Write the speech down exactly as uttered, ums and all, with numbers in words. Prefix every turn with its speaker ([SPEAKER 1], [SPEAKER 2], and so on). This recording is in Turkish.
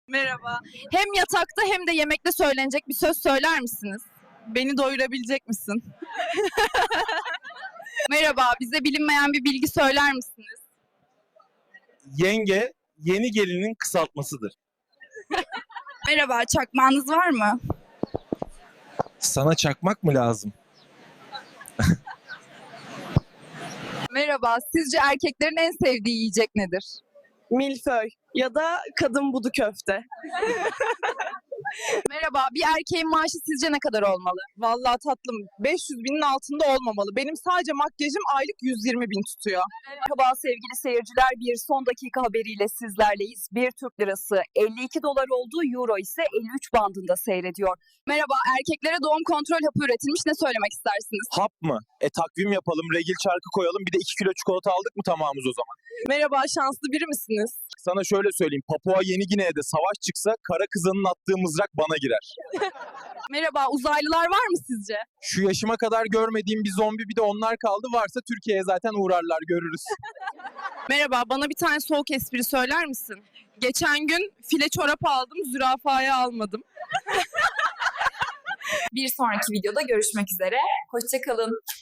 [SPEAKER 1] Merhaba. Hem yatakta hem de yemekte söylenecek bir söz söyler misiniz? Beni doyurabilecek misin? Merhaba, bize bilinmeyen bir bilgi söyler misiniz?
[SPEAKER 2] Yenge yeni gelinin kısaltmasıdır.
[SPEAKER 1] Merhaba, çakmağınız var mı?
[SPEAKER 2] Sana çakmak mı lazım?
[SPEAKER 1] Merhaba, sizce erkeklerin en sevdiği yiyecek nedir?
[SPEAKER 3] Milföy ya da kadın budu köfte.
[SPEAKER 1] Merhaba, bir erkeğin maaşı sizce ne kadar olmalı?
[SPEAKER 3] Vallahi tatlım beş yüz binin altında olmamalı. Benim sadece makyajım aylık yüz yirmi bin tutuyor.
[SPEAKER 4] Merhaba sevgili seyirciler, bir son dakika haberiyle sizlerleyiz. Bir Türk lirası elli iki dolar olduğu, euro ise elli üç bandında seyrediyor.
[SPEAKER 1] Merhaba, erkeklere doğum kontrol hapı üretilmiş, ne söylemek istersiniz?
[SPEAKER 2] Hap mı? E takvim yapalım, regil çarkı koyalım, bir de iki kilo çikolata aldık mı tamamız o zaman.
[SPEAKER 3] Merhaba, şanslı biri misiniz?
[SPEAKER 2] Sana şöyle söyleyeyim, Papua Yeni Gine'de savaş çıksa kara kızanın attığı mızrak bana girer.
[SPEAKER 1] Merhaba, uzaylılar var mı sizce?
[SPEAKER 2] Şu yaşıma kadar görmediğim bir zombi, bir de onlar kaldı, varsa Türkiye'ye zaten uğrarlar, görürüz.
[SPEAKER 1] Merhaba, bana bir tane soğuk espri söyler misin? Geçen gün file çorap aldım, zürafaya almadım.
[SPEAKER 5] Bir sonraki videoda görüşmek üzere. Hoşça kalın.